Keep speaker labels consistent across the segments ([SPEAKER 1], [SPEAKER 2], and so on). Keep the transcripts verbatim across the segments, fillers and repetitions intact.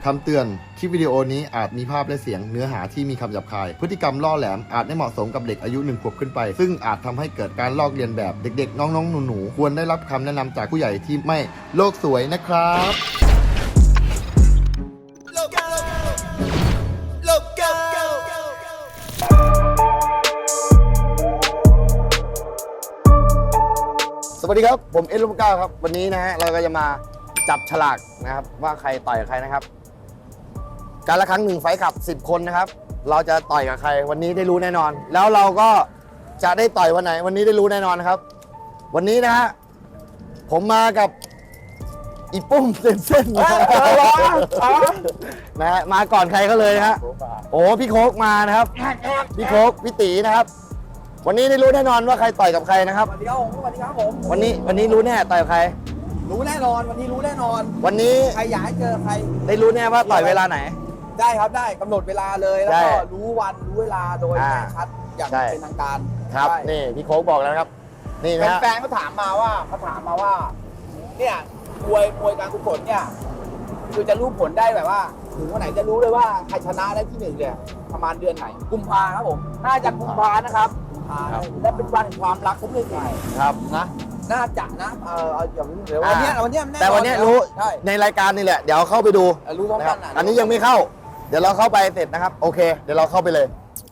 [SPEAKER 1] คำเตือนคลิปวิดีโอนี้อาจมีภาพและเสียงเนื้อหาที่มีคำหยาบคายพฤติกรรมล่อแหลมอาจไม่เหมาะสมกับเด็กอายุหนึ่งขวบขึ้นไปซึ่งอาจทำให้เกิดการลอกเลียนแบบเด็กๆน้องๆหนูๆควรได้รับคำแนะนำจากผู้ใหญ่ที่ไม่โลกสวยนะครับสวัสดีครับผมเอ็ดลูกก้าครับวันนี้นะฮะเราก็จะมาจับฉลากนะครับว่าใครต่อยกับใครนะครับการละครั้งหนึ่งไฟท์ขับสิบคนนะครับเราจะต่อยกับใครวันนี้ได้รู้แน่นอนแล้วเราก็จะได้ต่อยวันไหนวันนี้ได้รู้แน่นอนนะครับวันนี้นะฮะผมมากับอีปุ้มเส้นๆนะนะฮะมาก่อนใครก็เลยนะฮะโอ้พี่โคกมานะครับพี่โคกพี่ตีนะครับวันนี้ได้รู้แน่นอนว่าใครต่อยกับใครนะครับ
[SPEAKER 2] สวัสดีครับผมสวัสดีครับผม
[SPEAKER 1] วันนี้วันนี้รู้แน่ต่อยกับใคร
[SPEAKER 2] รู้แน่นอนวันนี้รู้แน่นอน
[SPEAKER 1] วันนี้
[SPEAKER 2] ใครอยากให้เจอใคร
[SPEAKER 1] ได้รู้แน่ว่าต่อยเวลาไหน
[SPEAKER 2] ได้ครับได้กำหนดเวลาเลยแล้วก็
[SPEAKER 1] ได้
[SPEAKER 2] รู้วันรู้เวลาโดย
[SPEAKER 1] อ่า
[SPEAKER 2] แน่ชัดอย่าง
[SPEAKER 1] ใช่
[SPEAKER 2] เป็นทางการ
[SPEAKER 1] ครับ
[SPEAKER 2] ใช่
[SPEAKER 1] นี่พี่โค้กบอกแล้วนะครับนี่นะฮะ
[SPEAKER 2] แฟนๆเขาถามมาว่าเขาถามมาว่าเนี่ยมวยมวยการกุศลเนี่ยคือจะรู้ผลได้แบบว่าถึงวันไหนจะรู้เลยว่าใครชนะได้ที่หนึ่งเนี่ยประมาณเดือนไหนกุมภาครับผมน่าจะกุมภานะครับกุมภาและเป็นวันแห่งความรักของเรื่องใหญ่
[SPEAKER 1] ครับนะ
[SPEAKER 2] น่าจะนะเออเอาอย่างนี้เดี๋ยววันเนี้ยวันเนี้ยน่นอน
[SPEAKER 1] แต่วันนี้รู้
[SPEAKER 2] ใช่
[SPEAKER 1] ในรายการนี่แหละเดี๋ยวเข้าไปดู
[SPEAKER 2] เออรู้พร้อม
[SPEAKER 1] นะค
[SPEAKER 2] กั
[SPEAKER 1] รั
[SPEAKER 2] น
[SPEAKER 1] บ
[SPEAKER 2] นะ
[SPEAKER 1] อันนี้ยังไม่เข้า เดี๋ยวเราเข้าไปเสร็จนะครับโอเคเดี๋ยวเราเข้าไปเลย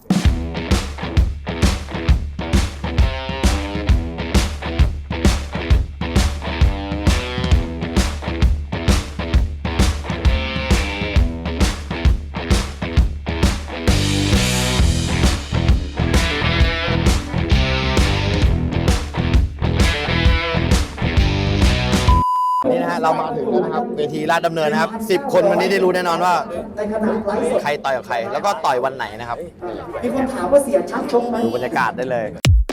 [SPEAKER 1] นี่นะฮะเรามาถึงแล้วนะครับเวทีลาดดำเนินนะครับสิบคนวันนี้ได้รู้แน่นอนว่าใครต่อยกับใคร แล้วก็ต่อยวันไหนนะครับ
[SPEAKER 3] มีคนถามว่าเสียชักชกไหม
[SPEAKER 1] ดูบรรยากาศได้เลย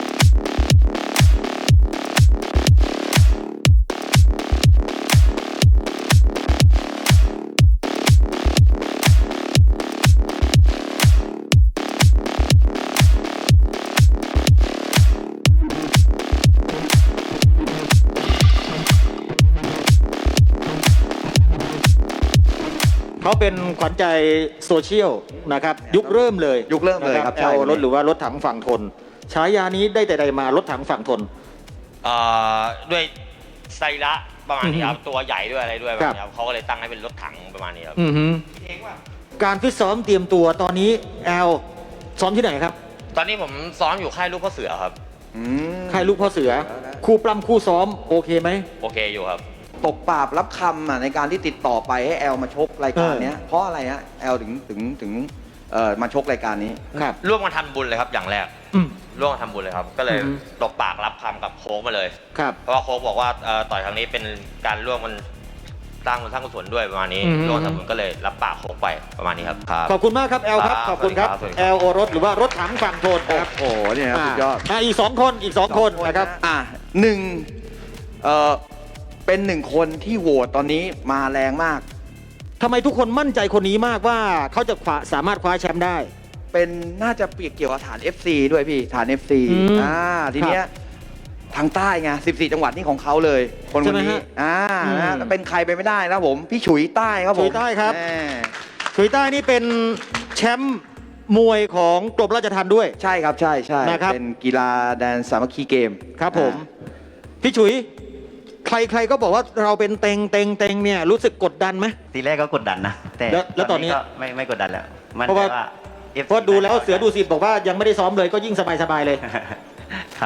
[SPEAKER 4] เขาเป็นขวัญใจโซเชียลนะครับยุคเริ่มเลย
[SPEAKER 5] ยุคเริ่มเลยครับ
[SPEAKER 4] แอลรถหรือว่ารถถังฝั่งทนฉายานี้ได้แต่ใดมารถถังฝั่งทน
[SPEAKER 6] เอ่อด้วยไซระประมาณนี้ครับตัวใหญ่ด้วยอะไรด้วยแบบนี้ครับเขาก็เลยตั้งให้เป็นรถถังประมาณนี้ครับ
[SPEAKER 4] อือฮึการฟิตซ้อมเตรียมตัวตอนนี้แอลซ้อมที่ไหนครับ
[SPEAKER 6] ตอนนี้ผมซ้อมอยู่ค่ายลูกพ่อเสือครับ
[SPEAKER 5] อืม
[SPEAKER 4] ค่ายลูกพ่อเสือคู่ปล้ำคู่ซ้อมโอเคไหม
[SPEAKER 6] โอเคอยู่ครับ
[SPEAKER 5] ตกปราบรับคำอ่ะในการที่ติดต่อไปให้แอลมาชกรายการเนี้ยเพราะอะไรฮะแอลถึงถึงถึงเอ่อมาชกรายการนี้
[SPEAKER 4] ครับ
[SPEAKER 6] ร่วมกันทำบุญเลยครับอย่างแรก
[SPEAKER 4] อืม
[SPEAKER 6] ร่วมกันทำบุญเลยครับ ก็เลย
[SPEAKER 4] อือฮึ
[SPEAKER 6] ตบปากรับคำกับโค้กมาเลย
[SPEAKER 4] ครับ
[SPEAKER 6] เพราะว่าโค้กบอกว่าเอ่อต่อยครั้งนี้เป็นการร่วมกันสร้างบุญสร้างกุศลด้วยประมาณนี้
[SPEAKER 4] อือฮึ
[SPEAKER 6] ร่วมกันทำบุญก็เลยรับปากโค้กไปประมาณนี้ครับครับ
[SPEAKER 4] ขอบคุณมากครับแอลครับ
[SPEAKER 6] ครับ
[SPEAKER 4] ขอบคุณครับ
[SPEAKER 6] สวัสดีครับ
[SPEAKER 4] แอลโอรถหรือว่ารถถังฝั่งทนนะครับ
[SPEAKER 5] โอ้โหเนี่ยครับสุดยอด
[SPEAKER 4] อ่าอีกสองคนอีกสองคนนะครับ
[SPEAKER 5] อ่ะหนึ่งเอ่อเป็นหนึ่งคนที่โหวตตอนนี้มาแรงมาก
[SPEAKER 4] ทำไมทุกคนมั่นใจคนนี้มากว่าเขาจะคว้าสามารถคว้าแชมป์ได้
[SPEAKER 5] เป็นน่าจะเกี่ยวกับฐาน เอฟ ซี ด้วยพี่ฐาน เอฟ ซี
[SPEAKER 4] อืม
[SPEAKER 5] อ่าทีเนี้ยทางใต้ไงสิบสี่จังหวัดนี่ของเขาเลย คนคนนี้
[SPEAKER 4] ใช่ไหมฮะ
[SPEAKER 5] อ่า
[SPEAKER 4] อืม
[SPEAKER 5] นะแล้วเป็นใครไปไม่ได้นะผมพี่ฉุยใต้ครับผม
[SPEAKER 4] ฉุยใต้ครับ
[SPEAKER 5] แน่
[SPEAKER 4] ฉุยใต้นี่เป็นแชมป์มวยของกรมราชทัณฑ์ด้วย
[SPEAKER 5] ใช่ครับใช่ใช่
[SPEAKER 4] นะครับ
[SPEAKER 5] เป็นกีฬาแดนสามัคคีเกม
[SPEAKER 4] ครับผม
[SPEAKER 5] อ่า
[SPEAKER 4] พี่ฉุย ใครๆก็บอกว่าเราเป็นเต็งเต็งเต็งเนี่ยรู้สึกกดดันไหม
[SPEAKER 7] ทีแรกก็กดดันนะ แต่
[SPEAKER 4] แล้วแล้วตอนนี้
[SPEAKER 7] ก็ไม่ไม่กดดันแล้วมัน
[SPEAKER 4] เพราะว่า
[SPEAKER 7] ว่า เอฟซี
[SPEAKER 4] เพราะดูแล้วเสือดูสิทธิ์บอกว่ายังไม่ได้ซ้อมเลยก็ยิ่งสบายๆเลย
[SPEAKER 7] ครับ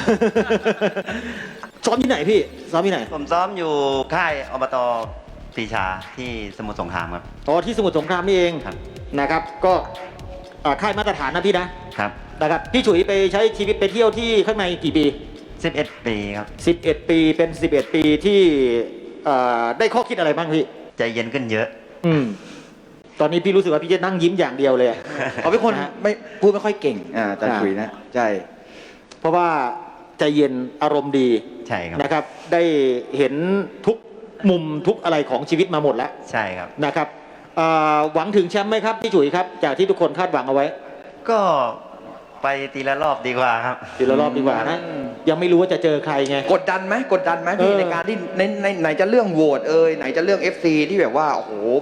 [SPEAKER 4] ซ้อมที่ไหนพี่ ซ้อมที่ไหน
[SPEAKER 7] ผมซ้อมอยู่ค่ายอบตปรีชาที่สมุทรสงครามครับ
[SPEAKER 4] อ๋อที่สมุทรสงครามนี่เอง
[SPEAKER 7] ครับ
[SPEAKER 4] นะครับ ก็อ่าค่ายมาตรฐานนะพี่นะครับ นะครับพี่ฉุยไปใช้ชีวิตไปเที่ยวที่ข้างในกี่ปี
[SPEAKER 7] สิบเอ็ด ปีครับ
[SPEAKER 4] สิบเอ็ด ปีเป็นสิบเอ็ด ปีที่เอ่อได้ข้อคิดอะไรบ้างพี่
[SPEAKER 7] ใจเย็นขึ้นเยอะ
[SPEAKER 4] อืมตอนนี้พี่รู้สึกว่าพี่จะนั่งยิ้มอย่างเดียวเลยอะ
[SPEAKER 5] เขาเป็นคน
[SPEAKER 4] นะฮะ
[SPEAKER 5] ไม่พูดไม่ค่อยเก่งอ่าอาจารย์
[SPEAKER 4] อ่า
[SPEAKER 5] ฉุยนะใช่
[SPEAKER 4] เพราะว่าใจเย็นอารมณ์ดี
[SPEAKER 7] ใช่ครับ
[SPEAKER 4] นะครับ ได้เห็นทุกมุมทุกอะไรของชีวิตมาหมดแล้ว
[SPEAKER 7] ใช่ครับ
[SPEAKER 4] นะครับเอ่อหวังถึงแชมป์ไหมครับพี่ฉุยครับจากที่ทุกคนคาดหวังเอาไว้
[SPEAKER 7] ก็ไปทีละรอบดีกว่าครับ
[SPEAKER 4] ทีละรอบดีกว่านะ
[SPEAKER 5] อืม
[SPEAKER 4] ยังไม่รู้ว่าจะเจอใครไง
[SPEAKER 5] กดดันไหมกดดันไหมพี่
[SPEAKER 4] เออ
[SPEAKER 5] ในการที่ในในไหนจะเรื่องโหวตเอ่ยไหนจะเรื่อง เอฟ ซี ที่แบบว่าโอ้โหแบบ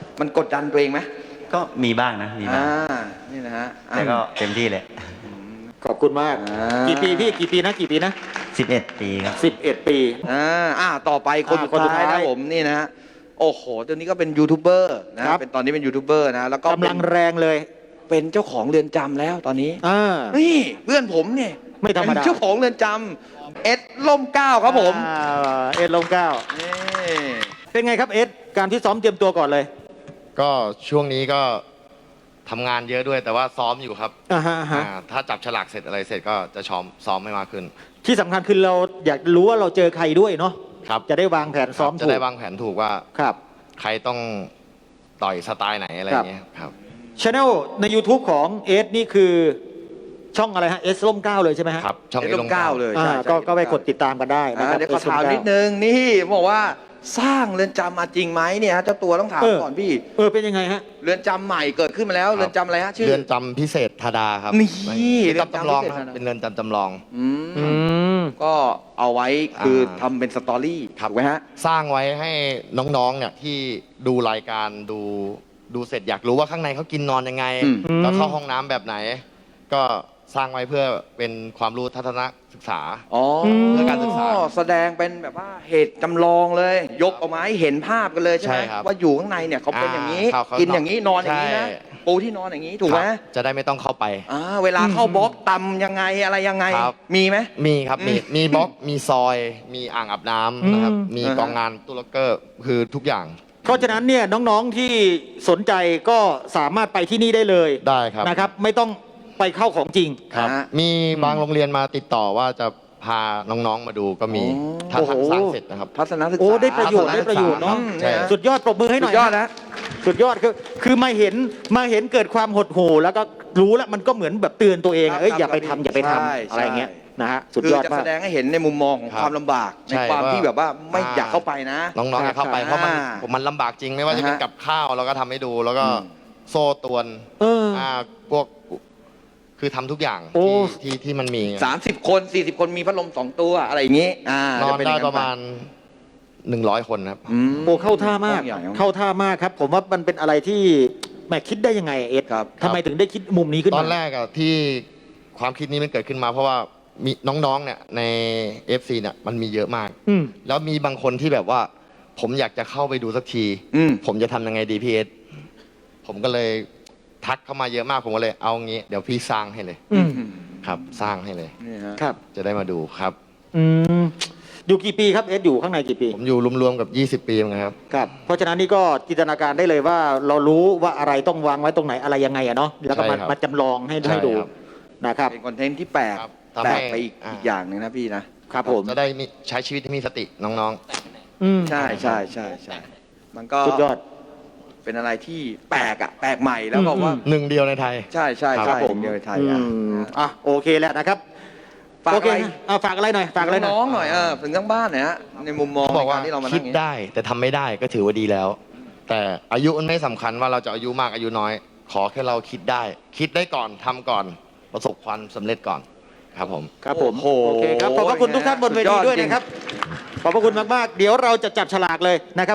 [SPEAKER 5] มันกดดันตัวเองไหม
[SPEAKER 7] ก็มีบ้างนะมีบ้าง
[SPEAKER 5] อ่านี่นะฮะอ่ะ
[SPEAKER 7] แต่ก็เต็มที่เลย
[SPEAKER 4] ขอบคุณมาก
[SPEAKER 5] อ่า
[SPEAKER 4] กี่ปีพี่กี่ปีนะกี่ปีนะ
[SPEAKER 7] สิบเอ็ด ปีครับ
[SPEAKER 4] สิบเอ็ดปี
[SPEAKER 5] อ่าอ่าต่อไปคน
[SPEAKER 4] อ่า
[SPEAKER 5] สุด
[SPEAKER 4] คนสุด
[SPEAKER 5] ท้าย
[SPEAKER 4] ท้าย
[SPEAKER 5] นะผมนี่นะฮะโอ้โหตัวนี้ก็เป็นยูทูบเบอร์นะครับ เป็นตอนนี้เป็นยูทูบเบอร์นะแล้วก็
[SPEAKER 4] กำลังแรงเลย
[SPEAKER 5] เป็นเจ้าของเรือนจำแล้วตอนนี้
[SPEAKER 4] อ่า
[SPEAKER 5] นี่เพื่อนผมเนี่ย
[SPEAKER 4] ไม่ธรรมดา
[SPEAKER 5] เป็นเจ้าของเรือนจำเอ็ดล่มเกล้าครับผม
[SPEAKER 4] อ่าเอ็ดลมเก้า
[SPEAKER 5] นี่
[SPEAKER 4] เป็นไงครับเอ็ดการที่ซ้อมเตรียมตัวก่อนเลย
[SPEAKER 1] ก็ช่วงนี้ก็ทำงานเยอะด้วยแต่ว่าซ้อมอยู่ครับ
[SPEAKER 4] อ่าฮะอ่าฮะ
[SPEAKER 1] อ่าถ้าจับฉลากเสร็จอะไรเสร็จก็จะซ้อมซ้อมให้มากขึ้น
[SPEAKER 4] ที่สำคัญคือเราอยากรู้ว่าเราเจอใครด้วยเนาะ
[SPEAKER 1] ครับ
[SPEAKER 4] จะได้วางแผนซ้อม
[SPEAKER 1] จะ
[SPEAKER 4] ถูก
[SPEAKER 1] ได้วางแผนถูกว่า
[SPEAKER 4] ครับ
[SPEAKER 1] ใครต้องต่อยสไตล์ไหนอะไรอย่างเงี้ยครับ
[SPEAKER 4] ช anel ใน YouTube ของเอสนี่คือช่องอะไรฮะเอสล่มเก้าเลยใช่ไหมฮะ
[SPEAKER 1] ครับ ช่อง
[SPEAKER 5] เอ็ด
[SPEAKER 1] เอ็ด
[SPEAKER 5] ล่
[SPEAKER 1] ล
[SPEAKER 5] ม
[SPEAKER 1] ง
[SPEAKER 5] เกล้า
[SPEAKER 1] เก้า
[SPEAKER 5] เลย
[SPEAKER 4] อ่า
[SPEAKER 5] ใช่
[SPEAKER 4] ก็
[SPEAKER 5] ใช่
[SPEAKER 4] ก็ไปกดติดตามกันได้นะ
[SPEAKER 5] อ่า
[SPEAKER 4] ครับ
[SPEAKER 5] เดี๋ยวขอ
[SPEAKER 4] เอสล่
[SPEAKER 5] ถาม
[SPEAKER 4] เก้
[SPEAKER 5] นิดนึงนี่บอกว่าสร้างเรือนจำมาจริงไหมเนี่ยฮะเจ้าตัวต้องถาม
[SPEAKER 4] เออ
[SPEAKER 5] ก่อนพี่
[SPEAKER 4] เออเป็นยังไงฮะ
[SPEAKER 5] เรือนจำใหม่เกิดขึ้นมาแล้ว
[SPEAKER 1] ครับ
[SPEAKER 5] เรือนจำอะไรฮะชื่อ
[SPEAKER 1] เรือนจำพิเศษธาดาครับ
[SPEAKER 5] นี่
[SPEAKER 1] เรือนจำจำลอง
[SPEAKER 5] เรือนจำพิเศษ
[SPEAKER 1] ครับ
[SPEAKER 5] ธาดา
[SPEAKER 1] เป็นเรือนจำจำลอง
[SPEAKER 5] อืม
[SPEAKER 4] อืม
[SPEAKER 5] ก็เอาไว้คือ
[SPEAKER 1] อ่า
[SPEAKER 5] ทำเป็นสตอรี่ถูกไหมฮะ
[SPEAKER 1] สร้างไว้ให้น้องๆเนี่ยที่ดูรายการดูดูเสร็จอยากรู้ว่าข้างในเขากินนอนยังไง
[SPEAKER 5] อืม
[SPEAKER 1] แล้วเข้าห้องน้ำแบบไหน ก็สร้างไว้เพื่อเป็นความรู้ทัศนศึกษา
[SPEAKER 5] อ๋อ
[SPEAKER 1] เพื่อการศึกษา
[SPEAKER 5] แสดงเป็นแบบว่าเหตุจำลองเลย ยกออกมาให้เห็นภาพกันเลยใช่ไหม
[SPEAKER 1] ใช่ครับ
[SPEAKER 5] ว่าอยู่ข้างในเนี่ยเขาเป็นอย่างนี้
[SPEAKER 1] อ่าเขา
[SPEAKER 5] กินอย่างนี้นอนอย่างนี้นะ
[SPEAKER 1] ใช่
[SPEAKER 5] ปูที่นอนอย่างนี้ถูกไหม
[SPEAKER 1] ครับจะได้ไม่ต้องเข้าไป
[SPEAKER 5] อ่าเวลาเข้าบล็อกตำยังไงอะไรยังไง
[SPEAKER 1] ครับ
[SPEAKER 5] มีไหม
[SPEAKER 1] มีครับ มี
[SPEAKER 5] อืม
[SPEAKER 1] มีบล็อก มีซอย มีอ่างอาบน้ำนะครับ
[SPEAKER 4] อืม
[SPEAKER 1] มี
[SPEAKER 5] อ่าฮะ
[SPEAKER 1] กองงานตู้ล็อกเกอร์ คือทุกอย่าง
[SPEAKER 4] เพราะฉะนั้นเนี่ยน้องๆที่สนใจก็สามารถไปที่นี่ได้เลย
[SPEAKER 1] ได้ครับ
[SPEAKER 4] นะครับ ไม่ต้องไปเข้าของจริง
[SPEAKER 1] ครับ
[SPEAKER 5] ฮะ
[SPEAKER 1] มีบางโรงเรียนมาติดต่อว่าจะพาน้องๆมาดูก็มี
[SPEAKER 5] อ๋อ
[SPEAKER 1] ถ้า
[SPEAKER 4] โอ้โห
[SPEAKER 1] ทำสร้างเสร็จนะครับ
[SPEAKER 5] ทัศนศึกษา
[SPEAKER 4] โอ้ได้ประโยชน์
[SPEAKER 1] ทัศน
[SPEAKER 4] ได้ประโยชน์เนาะ
[SPEAKER 5] อืม
[SPEAKER 1] ใช่
[SPEAKER 4] สุดยอดปรบมือให้ห
[SPEAKER 5] สุ
[SPEAKER 4] น่อ
[SPEAKER 5] ด
[SPEAKER 4] ย
[SPEAKER 5] ยอด
[SPEAKER 4] นะ
[SPEAKER 5] นะ
[SPEAKER 4] สุดยอดคือคือมาเห็นมาเห็นเกิดความหดหู่แล้วก็รู้แล้วมันก็เหมือนแบบเตือนตัวเอง
[SPEAKER 5] ครับ
[SPEAKER 4] เอ้ย
[SPEAKER 5] ครับ
[SPEAKER 4] อย่าไปทำอย่าไปทำ
[SPEAKER 5] ใช่
[SPEAKER 4] อะไรอย่างเงี้ย
[SPEAKER 5] ใช่
[SPEAKER 4] นะฮะสุด
[SPEAKER 5] คือย
[SPEAKER 4] อด
[SPEAKER 5] จะ
[SPEAKER 4] มา
[SPEAKER 5] แส
[SPEAKER 4] ก
[SPEAKER 5] ดงให้เห็นในมุมมองของ
[SPEAKER 1] ครับ
[SPEAKER 5] ความลำบาก ใน
[SPEAKER 1] ใช่
[SPEAKER 5] ความ
[SPEAKER 1] ว่า
[SPEAKER 5] ที่แบบว่าไม่
[SPEAKER 1] อ่า
[SPEAKER 5] อยากเข้าไปนะ
[SPEAKER 1] น้องๆอย่าเข้าไป เพราะมัน
[SPEAKER 5] อ่า
[SPEAKER 1] มันลำบากจริงไม่ว่าจะเป็น
[SPEAKER 5] อ่าฮะ
[SPEAKER 1] กับข้าวเราก็ทำให้ดู แล้วก็
[SPEAKER 5] อืม
[SPEAKER 1] โซ่ตรวน
[SPEAKER 4] เออ
[SPEAKER 1] อ่าพวกคือทำทุกอย่าง
[SPEAKER 4] โอ้
[SPEAKER 1] ที่ที่ที่มันมี
[SPEAKER 5] สามสิบคนสี่สิบคนมีพัดลมสองตัวอะไรอย่างนี้อ่าน
[SPEAKER 1] อน
[SPEAKER 5] จเป็
[SPEAKER 1] ได้
[SPEAKER 5] ย่ง
[SPEAKER 1] ประมาณหนึ่งร้อยคนครับ
[SPEAKER 5] อืม
[SPEAKER 4] โอ้เข้าท่ามาก
[SPEAKER 5] ห้องใหญ่ห้อง
[SPEAKER 4] เข้าท่ามากครับ ผมว่ามันเป็นอะไรที่แหมคิดได้ยังไงเอ็ด
[SPEAKER 5] ครับ
[SPEAKER 4] ทำไมถึงได้คิดมุมนี้ขึ้น
[SPEAKER 1] ต
[SPEAKER 4] มา
[SPEAKER 1] อนแรกอะที่ความคิดนี้มันเกิดขึ้นมา เพราะว่ามีน้องๆเนี่ยใน เอฟ ซี เนี่ยมันมีเยอะมาก
[SPEAKER 4] อืม
[SPEAKER 1] แล้วมีบางคนที่แบบว่า ผมอยากจะเข้าไปดูสักที
[SPEAKER 5] อืม
[SPEAKER 1] ผมจะทำยังไงดีพี่เอสผมก็เลยทักเข้ามาเยอะมากผมก็เลยเอางี้ เดี๋ยวพี่สร้างให้เลย
[SPEAKER 4] อืม
[SPEAKER 1] ครับ สร้างให้เลย
[SPEAKER 5] นี่ฮะ
[SPEAKER 4] ครับ
[SPEAKER 1] จะได้มาดูครับ
[SPEAKER 4] อืมอยู่กี่ปีครับเอ็ดอยู่ข้างในกี่ปี
[SPEAKER 1] ผมอยู่รวมๆกับ ยี่สิบ ปีเหมือนกันครับ
[SPEAKER 4] ครับ เพราะฉะนั้นนี่ก็จินตนาการได้เลยว่าเรารู้ว่าอะไรต้องวางไว้ตรงไหนอะไรยังไงอะเนาะแล้วก็มา
[SPEAKER 1] ใช่ครับ
[SPEAKER 4] มาจำลองให้
[SPEAKER 1] ใช่
[SPEAKER 4] ให้ดู
[SPEAKER 1] ครับ
[SPEAKER 4] นะครับ
[SPEAKER 5] เป็นคอนเทนต์ที่แปลก
[SPEAKER 1] ครับ
[SPEAKER 5] แปล
[SPEAKER 1] ทำให้
[SPEAKER 5] กไปอีก
[SPEAKER 1] อ่า
[SPEAKER 5] อีกอย่างหนึ่งนะพี่นะครับ
[SPEAKER 4] ผม
[SPEAKER 1] จะได้มีใช้ชีวิตที่มีสติน้อง
[SPEAKER 4] อืม
[SPEAKER 5] ใช่ใช่ใช่ใช่มันก็
[SPEAKER 4] สุดยอด
[SPEAKER 5] เป็นอะไรที่แปลกอะแปลกใหม่แล้วก็ว่า
[SPEAKER 1] ๆ หนึ่งเดียวในไทย
[SPEAKER 5] ใช่ใช่
[SPEAKER 1] ครั
[SPEAKER 5] ใช่
[SPEAKER 1] บผม
[SPEAKER 5] เดียวในไทย
[SPEAKER 4] อื
[SPEAKER 5] อ่ะ
[SPEAKER 4] มอ่ะโอเคแล้วนะครับ
[SPEAKER 5] ฝาก
[SPEAKER 4] โอเค
[SPEAKER 5] อะไร
[SPEAKER 4] นะเอาฝากอะไรหน่อยฝากอะไรหน่อย
[SPEAKER 5] น้องๆหน่อยเออถึงทั้งบ้านหน่อยฮะในมุมมอง
[SPEAKER 1] เขาบอกว่า
[SPEAKER 5] ในรที่เรามา
[SPEAKER 1] คิ
[SPEAKER 5] นั่
[SPEAKER 1] ด
[SPEAKER 5] งอย่างนี้
[SPEAKER 1] ได้แต่ทำไม่ได้ก็ถือว่าดีแล้ว แต่อายุมันไม่สำคัญว่าเราจะอายุมากอายุน้อย ขอแค่เราคิดได้ คิดได้ก่อนทำก่อนประสบความสำเร็จก่อนครับผม
[SPEAKER 4] ครับผม
[SPEAKER 5] โอ้โห
[SPEAKER 4] โอเคครับขอบพระคุณทุกท่านบนเวทีด้วย
[SPEAKER 5] สุดยอดจริง
[SPEAKER 4] นะครับขอบพระคุณมากๆเดี๋ยวเราจะจับฉลากเลยนะครับ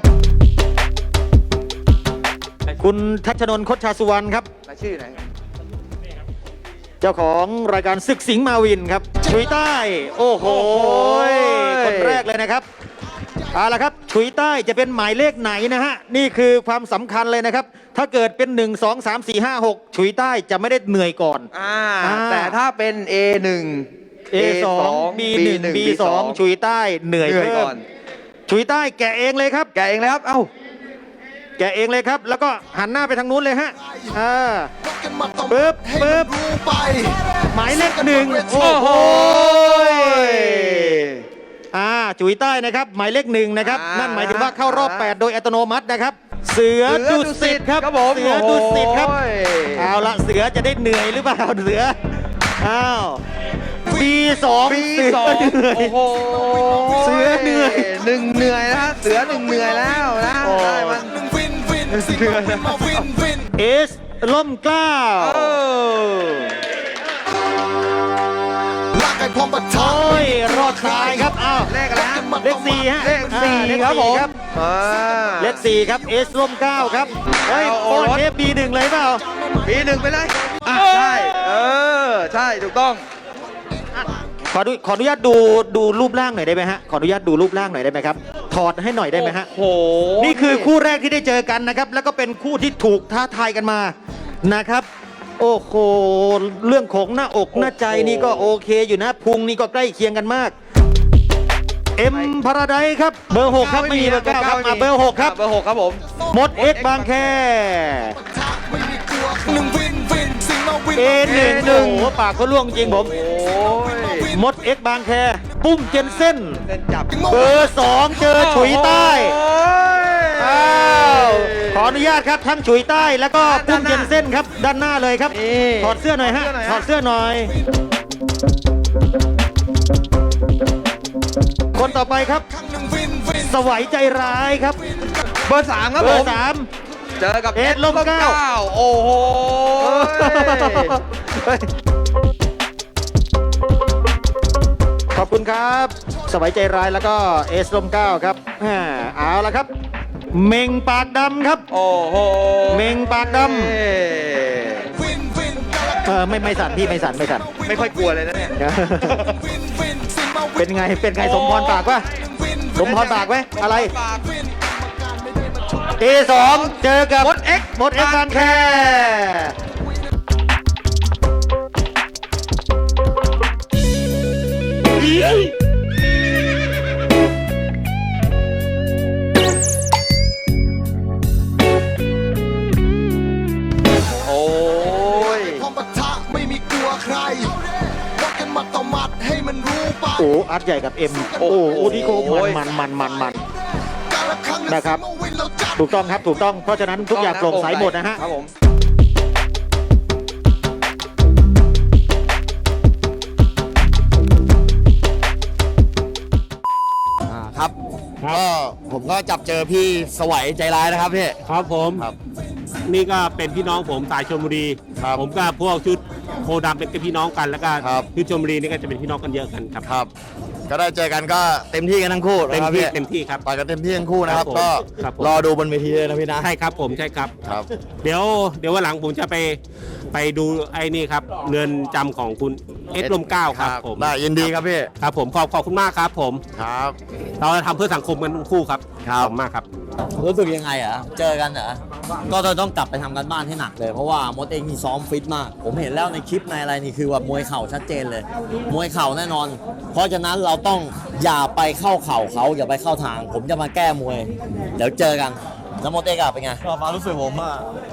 [SPEAKER 4] คุณทัชนนท์คชชาสุวรรณครับ
[SPEAKER 5] รายชื่อไหน
[SPEAKER 4] เจ้าของรายการศึกสิงห์มาวินครับชุยใต้ โอ้โห
[SPEAKER 5] โอ้โห
[SPEAKER 4] คนแรกเลยนะครับเอาละครับชุยใต้จะเป็นหมายเลขไหนนะฮะนี่คือความสำคัญเลยนะครับ ถ้าเกิดเป็นหนึ่ง สอง สาม สี่ ห้า หกชุยใต้จะไม่ได้เหนื่อยก่อน
[SPEAKER 5] อ่า
[SPEAKER 4] อ่า
[SPEAKER 5] แต่ถ้าเป็น เอ หนึ่ง
[SPEAKER 4] เอ สอง บี หนึ่ง บี สอง ชุยใต้เหนื่อย
[SPEAKER 5] เหนื่อย
[SPEAKER 4] เพิ่
[SPEAKER 5] ก่
[SPEAKER 4] ม
[SPEAKER 5] อน
[SPEAKER 4] ชุยใต้แกะเองเลยครับ
[SPEAKER 5] แกเองเลยครับเอ้า
[SPEAKER 4] แกะเองเลยครับ แล้วก็หันหน้าไปทางนู้นเลยฮะอ่าปึ๊บปึ๊บหมายเลขหนึ่งโอ้โหอ่าจุ๋ยใต้นะครับหมายเลขหนึ่งนะครับ
[SPEAKER 5] อ่านั่
[SPEAKER 4] นั่นหมายถึงว่าเข้ารอบ แปด โดยอัตโนมัตินะครับ เสือดุสิตครับ
[SPEAKER 5] ครับผม
[SPEAKER 4] เสือดุสิตครับ
[SPEAKER 5] โอ้ย
[SPEAKER 4] เอาละเสือจะได้เหนื่อยหรือเปล่าเสืออ้าวปีสอง
[SPEAKER 5] ปี
[SPEAKER 4] เสื
[SPEAKER 5] สอง
[SPEAKER 4] เหนื่อย
[SPEAKER 5] โอ้โห
[SPEAKER 4] เสือเหนื่อย
[SPEAKER 5] หนึ่งเหนื่อยนะฮะเสือหนึ่งเหนื่อยแล้วนะ
[SPEAKER 4] โอ้
[SPEAKER 5] ได้มันเหนื่อยนะ
[SPEAKER 4] เอสล่มเกล้า
[SPEAKER 5] เออ
[SPEAKER 4] โอ้ยรอดตายครับอ้าว
[SPEAKER 5] เลขอะไรฮะ
[SPEAKER 4] เลขสี่ฮะ
[SPEAKER 5] เลขสี่
[SPEAKER 4] อ่าเลข
[SPEAKER 5] ครับผม
[SPEAKER 4] ครับ
[SPEAKER 5] อ่า
[SPEAKER 4] เลขสี่ครับเอสร่มเกล้าครับเฮ้ย
[SPEAKER 5] เอา
[SPEAKER 4] โอ้
[SPEAKER 5] โอรส
[SPEAKER 4] เทปบีหนึ่งเลยเปล่า
[SPEAKER 5] ปีหนึ่งไปเลยอ่ะใช่ เออ ใช่ถูกต้อง
[SPEAKER 4] ขอดูขออนุญาตดูดูรูปร่างหน่อยได้ไหมฮะขออนุญาตดูรูปร่างหน่อยได้ไหมครับถอดให้หน่อยได้ไหมฮะ
[SPEAKER 5] โอ้โห
[SPEAKER 4] นี่คือคู่แรกที่ได้เจอกันนะครับ แล้วก็เป็นคู่ที่ถูกท้าทายกันมานะครับ โอ้โหเรื่องของหน้าอกหน้าใจนี่ก็โอเคอยู่นะพุงนี่ก็ใกล้เคียงกันมากเอ็มพาราไดครับเบอร์หกครับไม่มีเบอร์เก้าครับมาเบอร์หกครับ
[SPEAKER 5] เบอร์หกครับผม
[SPEAKER 4] มดเอ็กบางแคเอหนึ่งหนึ่งโอ้โหปากเขาล่วงจริงผม
[SPEAKER 5] โอ้ย
[SPEAKER 4] มดเอ็กบางแคปุ้มเจนเซ่น
[SPEAKER 5] เล่นจับ
[SPEAKER 4] เบอร์สองเจอฉุยใต้
[SPEAKER 5] โอ้ย
[SPEAKER 4] อ้าวขออนุญาตครับทั้งฉุยใต้แล้วก็ปุ้มเจนเซ่นครับด้านหน้าเลยครับ
[SPEAKER 5] นี่
[SPEAKER 4] ถอดเสื้อหน่อยฮะถอดเสื้อหน่อย คนต่อไปครับ สวัยใจร้ายครับ
[SPEAKER 5] เบอร์สามครับ
[SPEAKER 4] เบ
[SPEAKER 5] ผ
[SPEAKER 4] อ
[SPEAKER 5] ม
[SPEAKER 4] ร์สาม
[SPEAKER 5] เจอกับ
[SPEAKER 4] เอ็ดลมเกล้า
[SPEAKER 5] โอ้โห
[SPEAKER 4] ขอบคุณครับ สวัยใจร้ายแล้วก็เอสลมเก้าครับอ่าเอาละครับ เมงปากดำครับ
[SPEAKER 5] โอ้โห
[SPEAKER 4] เมงปากดำเออไม่ไม่สั่นพี่ไม่สั่นไม่สั่น
[SPEAKER 5] ไม่ค่อยกลัวเลยนะเนี่ย
[SPEAKER 4] เป็นไงเป็นไงสมพรปากวะสมพรปากไหมอะไรเอสองเจอกับ
[SPEAKER 5] มดเอ็ก
[SPEAKER 4] มดเอ็กบางแค
[SPEAKER 5] โอ้ย
[SPEAKER 8] พอปะทะไม่มีกลัวใครวัดกันหมัดต่อหมัดให้มันรู้ไป
[SPEAKER 4] โอ้อาร์ตใหญ่กับเอ็มโอ้โหที่โคมันมันมันมัน
[SPEAKER 8] การละครั้ง
[SPEAKER 4] นะครับ
[SPEAKER 8] เมื่อวินเราจัด
[SPEAKER 4] ถูกต้องครับถูกต้องเพราะฉะนั้นทุกอย่างโปร่งใสหมดนะฮะ
[SPEAKER 5] ครับผม
[SPEAKER 1] อ่าครับก็ผมก็จับเจอพี่สวัยใจร้ายนะครับพี่
[SPEAKER 9] ครับผม
[SPEAKER 1] ครับ
[SPEAKER 9] นี่ก็เป็นพี่น้องผมสายชลบุรี
[SPEAKER 1] ครับ
[SPEAKER 9] ผมก็พวกชุดโพดำเป็นพี่น้องกันแล้วก็
[SPEAKER 1] ครับ
[SPEAKER 9] ชุดชลบุรีนี่ก็จะเป็นพี่น้องกันเยอะกันครับ
[SPEAKER 1] ครับ ก็ได้เจอกันก็เต็มที่กันทั้งคู่
[SPEAKER 9] เต็ม
[SPEAKER 1] นะครับ
[SPEAKER 9] ที่
[SPEAKER 1] พี่
[SPEAKER 9] เต็มที่ครับ
[SPEAKER 1] ต่อยกันเต็มที่ทั้งคู่นะครับ
[SPEAKER 9] ครับผม
[SPEAKER 1] ก็
[SPEAKER 9] ครับผม
[SPEAKER 1] รอดูบนเวทีเลยนะพี่นะ
[SPEAKER 9] ใช่ครับผมใช่ครับ
[SPEAKER 1] ครับ
[SPEAKER 9] เดี๋ยวเดี๋ยววันหลังผมจะไปไปดูไอ้นี่ครับเรือนจำของคุณเอสลมเกล้าครับผม
[SPEAKER 1] ได้ยินดีครับพี่
[SPEAKER 9] ครับผมขอบขอบคุณมากครับผม
[SPEAKER 1] ครับ
[SPEAKER 9] เราจะทำเพื่อสังคมกันทั้งคู่ครับ
[SPEAKER 1] ครับ
[SPEAKER 9] ขอบคุณมากครับ
[SPEAKER 10] รู้สึกยังไงอ่ะ เจอกันเหรอ ก็จะต้องกลับไปทำกันบ้านให้หนักเลย เพราะว่ามดเองนี่ซ้อมฟิตมาก ผมเห็นแล้วในคลิปในอะไรนี่คือแบบมวยเข่าชัดเจนเลย มวยเข่าแน่นอน เพราะฉะนั้นเราต้องอย่าไปเข้าเข่าเขาอย่าไปเข้าทาง ผมจะมาแก้มวย เดี๋ยวเจอกัน แล้วมดเองอะเป็นไง
[SPEAKER 11] ก็มารู้สึกผมอะ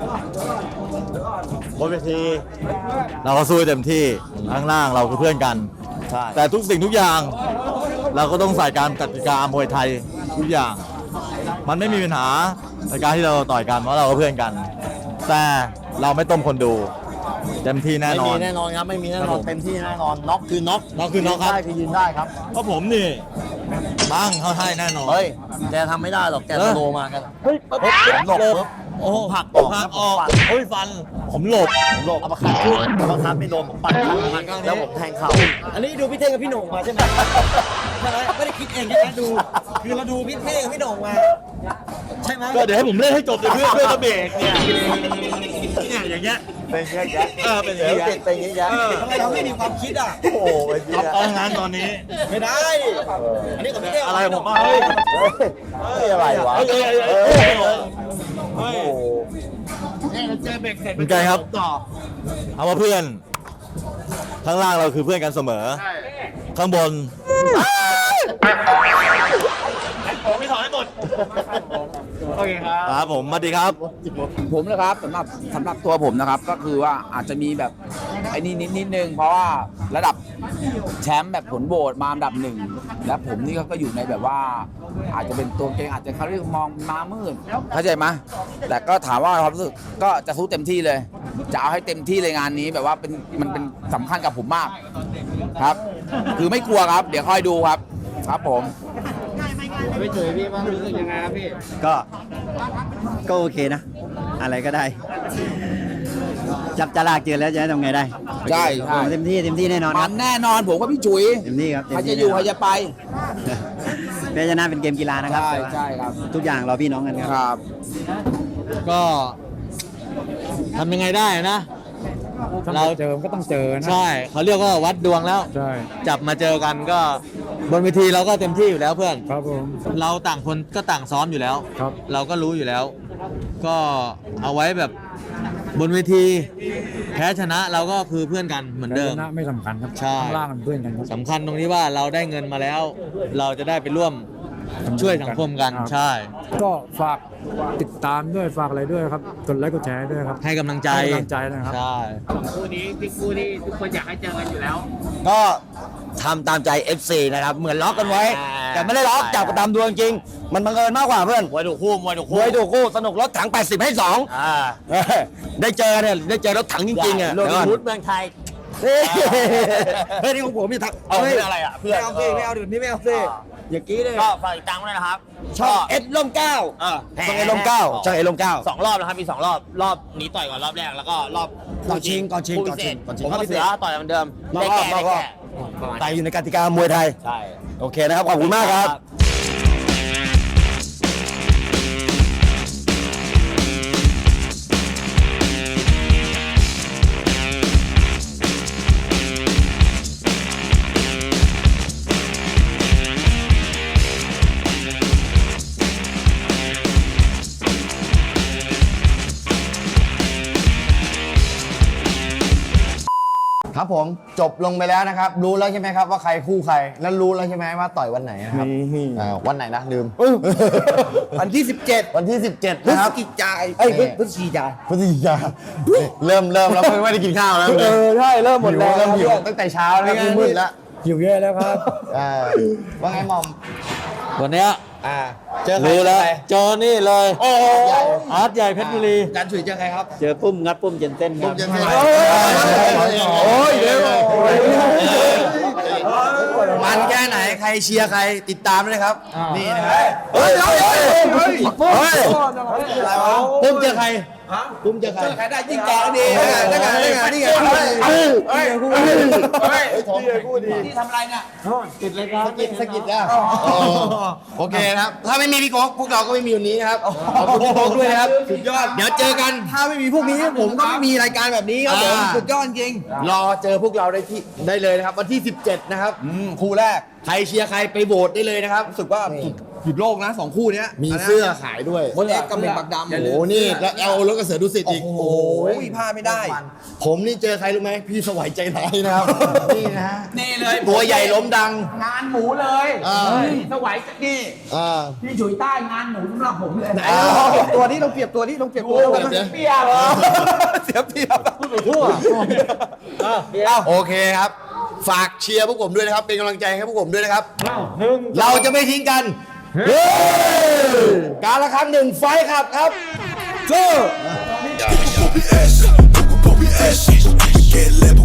[SPEAKER 11] บนเวทีเราก็สู้เต็มที่ข้างล่างเราคือเพื่อนกัน
[SPEAKER 10] ใช่
[SPEAKER 11] แต่ทุกสิ่งทุกอย่าง เราก็ต้องใส่การกติกามวยไทยทุกอย่าง มันไม่มีปัญหาในการที่เราต่อยกันเพราะเราก็เพื่อนกัน แต่เราไม่ต้มคนดูเต็มที่แน่
[SPEAKER 10] ไม่
[SPEAKER 11] นอ
[SPEAKER 10] มี
[SPEAKER 11] น
[SPEAKER 10] แน่นอนครับ ไม่มีแน่น
[SPEAKER 11] ครั
[SPEAKER 10] อบ น
[SPEAKER 11] ผม
[SPEAKER 10] เต็มที่แน่นอน น็อกคือน็อก
[SPEAKER 11] น็อกคือน็อกครับ
[SPEAKER 10] ได้คือยืนได้ครับ
[SPEAKER 11] เพราะผมนี่บ้างเขาให้แน่นอน
[SPEAKER 10] เฮ้ย แกทำไม่ได้หรอก แก
[SPEAKER 11] เอ
[SPEAKER 10] ส
[SPEAKER 11] อ
[SPEAKER 10] โลว์มากัน
[SPEAKER 11] เฮ้ยปุ๊บผมหลบปุ๊บโอ้โห
[SPEAKER 10] ผลักออก
[SPEAKER 11] ผลักออก
[SPEAKER 10] ปัด
[SPEAKER 11] เฮ้ยฟัน ผมหลบ
[SPEAKER 10] ผมหลบอัปคัดขึ้นอัปคัดไม่โดนผมปัดข้างหลังแล้วผมแทงเข่าอันนี้ดูพี่เท่งกับพี่โหน่งมาใช่ไหมใช่ไหมไม่ได้คิดเองใช่ไหมดู คือเราดูพี่เท่งกับพี่โหน่งมา ใช่ไหม
[SPEAKER 11] ก็เดี๋ยวให้ผมเล่นให้จบเลยเพื่อนเพื่อนจะเบรกเนี่ยเนี่ยอย่างเงี้ย
[SPEAKER 10] เป็นเยอะแยะ
[SPEAKER 11] เออเป็นอย่างเงี้ย
[SPEAKER 10] เป็นเยอะแยะทำไมเราไม่มีความคิดอ่ะ
[SPEAKER 11] โอ้โหเอางานตอนนี้
[SPEAKER 10] ไม่ได้ อันนี้กับพี่เท่ง
[SPEAKER 11] อะไรผมอ่ะเฮ้ย
[SPEAKER 10] เฮ้ยอะไรวะ
[SPEAKER 11] เฮ้ยเฮ้ยเฮ้ยเฮ้ยเฮ้ยเป็นไงครับเอาว่าเพื่อน ข้างล่างเราคือเพื่อนกันเสมอ ข้างบนไม่ถอนให้หมดโอเคครับครับผมสวัสดีครับ
[SPEAKER 2] ผมนะครับสำหรับสำหรับตัวผมนะครับ ก็คือว่าอาจจะมีแบบไอ้นี่นิดนิดนึง เพราะว่าระดับแชมป์แบบผลโหวตมาอันดับหนึ่งและผมนี่ก็อยู่ในแบบว่า อาจจะเป็นตัวเก่งอาจจะเขาเรียกมองมามืดเข้าใจไหมแต่ก็ถามว่าความรู้สึกก็จะสู้เต็มที่เลย จะเอาให้เต็มที่เลยงานนี้แบบว่าเป็นมันเป็นสำคัญกับผมมากครับ คือไม่กลัวครับ เดี๋ยวค่อยดูครับ ครับผม
[SPEAKER 10] ก็ ก็โอเคนะ อะไรก็ได้ จับจลากเจอแล้วจะทำไงได้
[SPEAKER 2] ใช่ใช่
[SPEAKER 10] เต็มที่เต็มที่แน่นอนค
[SPEAKER 2] มั
[SPEAKER 10] รับ
[SPEAKER 2] นแน่นอนผมกับพี่จุ๋ย
[SPEAKER 10] เต็มที่ครับเต็ม
[SPEAKER 2] ใคร
[SPEAKER 10] ที่
[SPEAKER 2] จะอยู่
[SPEAKER 10] แน่น
[SPEAKER 2] ใค
[SPEAKER 10] อน
[SPEAKER 2] รจะไป
[SPEAKER 10] แพ้ชนะเป็นเกมกีฬานะครับ
[SPEAKER 2] ใช่ใช่ครับ
[SPEAKER 10] ทุกอย่างเราพี่น้องกันครับ
[SPEAKER 2] ครับ
[SPEAKER 11] ก็ทำยังไงได้นะ เรา
[SPEAKER 3] เจอก็ต้องเจอนะ
[SPEAKER 11] ใช่เขาเรียกว่าวัดดวงแล้ว
[SPEAKER 3] ใช่
[SPEAKER 11] จับมาเจอกันก็บนเวทีเราก็เต็มที่อยู่แล้วเพื่อน
[SPEAKER 3] ครับผม
[SPEAKER 11] เราต่างคนก็ต่างซ้อมอยู่แล้ว
[SPEAKER 3] ครับ
[SPEAKER 11] เราก็รู้อยู่แล้ว ก็เอาไว้แบบบนเวทีแพ้ชนะเราก็คือเพื่อนกันเหมือนเดิม
[SPEAKER 3] ชนะไม่สำคัญครับ
[SPEAKER 11] ใช่
[SPEAKER 3] ข้างล่างมันเพื่อนกันครับ
[SPEAKER 11] สำคัญตรงที่ว่าเราได้เงินมาแล้ว เราจะได้ไปร่วมช่วยสังคมกัน
[SPEAKER 3] ครับ
[SPEAKER 11] ใช่
[SPEAKER 3] ก็ฝากติดตามด้วยฝากอะไรด้วยครับกดไลค์กดแชร์ด้วยครับ
[SPEAKER 11] ให้กำลังใจ
[SPEAKER 3] ให้กำลังใจนะครับ
[SPEAKER 11] ใช่
[SPEAKER 2] คู่นี้ที่คู่ที่ทุกคนอยากให้เจอกันอยู่แล้ว
[SPEAKER 1] ก็ทำตามใจ เอฟ ซี นะครับ เหมือนล็อกกันไว้
[SPEAKER 2] อ่า
[SPEAKER 1] แต่ไม่ได้ล็อกจับกันตามดวงจริง มันบังเอิญมากกว่าเพื่อน
[SPEAKER 2] มวยถูกคู่มวยถูก
[SPEAKER 1] ม
[SPEAKER 2] คู่
[SPEAKER 1] วยดูคู่สนุกรถถัง แปดสิบ ให้สอง
[SPEAKER 2] อ่า
[SPEAKER 1] เออได้เจอเนี่ยได้เจอรถถังจริงๆอ่ะ
[SPEAKER 2] โรบิ
[SPEAKER 1] เดี๋ยวน ก่อน
[SPEAKER 2] ฮูดเมืองไทย
[SPEAKER 1] เฮ้ยเฮ้ยนี่ของผมมีทัก
[SPEAKER 2] เอา
[SPEAKER 1] ฮ้ย
[SPEAKER 2] เป็นอะไรอ่ะเพื่อน
[SPEAKER 1] ไม่เอาสิไม่เอาเดี๋ยวนี้ไม่เอาสิอย่ากี้เลย
[SPEAKER 2] ก็ฝากติดตามด้วยนะครับ
[SPEAKER 1] ช่องเอ็ดลมเก้า
[SPEAKER 2] เออ
[SPEAKER 1] ช่องเอ็ดลมเก้าช่องเอ็ดลมเก้า
[SPEAKER 2] สองรอบนะครับมีสองรอบรอบนี้ต่อยก่อนรอบแรกแล้วก็รอบ
[SPEAKER 1] ก่อนชิงก่อนชิง
[SPEAKER 2] คู่
[SPEAKER 1] ก่อนชิง
[SPEAKER 2] พิเศษ
[SPEAKER 1] ก่อนชิง
[SPEAKER 2] ผมกับเสือต่อยเหมือนเดิม
[SPEAKER 1] นอกรอบนอกรอบ
[SPEAKER 2] ประมาณ
[SPEAKER 1] ตายอยู่ในกติกามวยไทย
[SPEAKER 2] ใช่
[SPEAKER 1] โอเคนะครับ ขอบคุณมากครับ ครับผมจบลงไปแล้วนะครับ รู้แล้วใช่ไหมครับว่าใครคู่ใคร แล้วรู้แล้วใช่ไหมว่าต่อยวันไหนนะครับอ่าวันไหนนะลืม
[SPEAKER 2] วันที่สิบเจ็ด
[SPEAKER 1] วันที่ สิบเจ็ด นะครับ
[SPEAKER 2] พฤศจิกายนเอ้ยพฤศจิกายน
[SPEAKER 1] พฤศจิกาเริ่มเริ่มแล้วไม่ได้กินข้าวแล้ว
[SPEAKER 2] เออใช่เริ่มหมดแล้ว
[SPEAKER 1] เริ่มหิวตั้งแต่เช้าแล้วครับมืดแล้ว
[SPEAKER 3] หิวแย่แล้วครับ
[SPEAKER 1] อ่าว่าไงหมอม
[SPEAKER 11] วันเนี้ย
[SPEAKER 1] อ่าเจอใคร
[SPEAKER 11] รู้แล้ว
[SPEAKER 1] เจอใคร
[SPEAKER 11] เจอนี่เลย
[SPEAKER 1] โอ้โห
[SPEAKER 11] อาร์ตใหญ่เพชรบุรี
[SPEAKER 1] การฉุยเจอใครครับ
[SPEAKER 10] เจอปุ้มงัดปุ้มเจนเต้นครับ
[SPEAKER 1] เจอใครโอ้ยเดี๋ยวมันแค่ไหนใครเชียร์ใครติดตามเลยครับนี่นะครับเฮ้ยเฮ้ยเฮ้ยเฮ้ยเฮ้ยปุ้มเจอใครปุ้มเจอใคร
[SPEAKER 2] ใครได้ยิ่งแก่ดี
[SPEAKER 1] ได้ไงได้ไงได้ไงเฮ้ยเฮ้ยเฮ้ยเฮ้ยท้องคู่ดี
[SPEAKER 2] ที่ทำอะไรเนี่ย
[SPEAKER 1] ติดเลยครับสกิดสกิดอ่ะโอเคนะครับถ้าไม่มีพี่โก๊กพวกเราก็ไม่มีวันนี้นะครับขอบคุณพี่โก๊กด้วยนะครับสุดยอดเดี๋ยวเจอกันถ้าไม่มีพวกนี้ผมก็ไม่มีรายการแบบนี้ครับผมสุดยอดจริงรอเจอพวกเราได้ที่ได้เลยนะครับวันที่สิบเจ็ดนะครับคู่แรกใครเชียร์ใครไปโหวตได้เลยนะครับรู้สึกว่าหยุดโลกนะสองคู่นี้มีเสื้อขายด้วย
[SPEAKER 2] มดเอ็กซ์กับเบนปักดำ
[SPEAKER 1] โอ้โหนี่แล้วเอารถกระเสือดุสิตอีก
[SPEAKER 2] โอ้โหพลาดไม่ได้
[SPEAKER 1] ผมนี่เจอใครรู้ไหมพี่สวัยใจร้ายนะครับ นี่นะฮะ
[SPEAKER 2] นี่เลย
[SPEAKER 1] ตัวใหญ่ล้มดัง
[SPEAKER 2] งานหมูเลย
[SPEAKER 1] อ่า
[SPEAKER 2] นี่สวัยนี่
[SPEAKER 1] อ่า
[SPEAKER 2] พี่ฉุยใต้งานหมูสำหรับผมเลย
[SPEAKER 1] อ่า
[SPEAKER 2] ตัวนี้ต้องเปรียบตัวนี้ต้องเปรียบตัว
[SPEAKER 1] โอ้โห
[SPEAKER 2] เสียเปรียบเสียเปรียบพูดไปทั่ว
[SPEAKER 1] โอเคครับ ฝากเชียร์พวกผมด้วยนะครับ เป็นกำลังใจให้พวกผมด้วยนะครับ เราจะไม่ทิ้งกันเฮ้ยการละครั้งหนึ่งไฟท์ครับครับสู้
[SPEAKER 8] Get level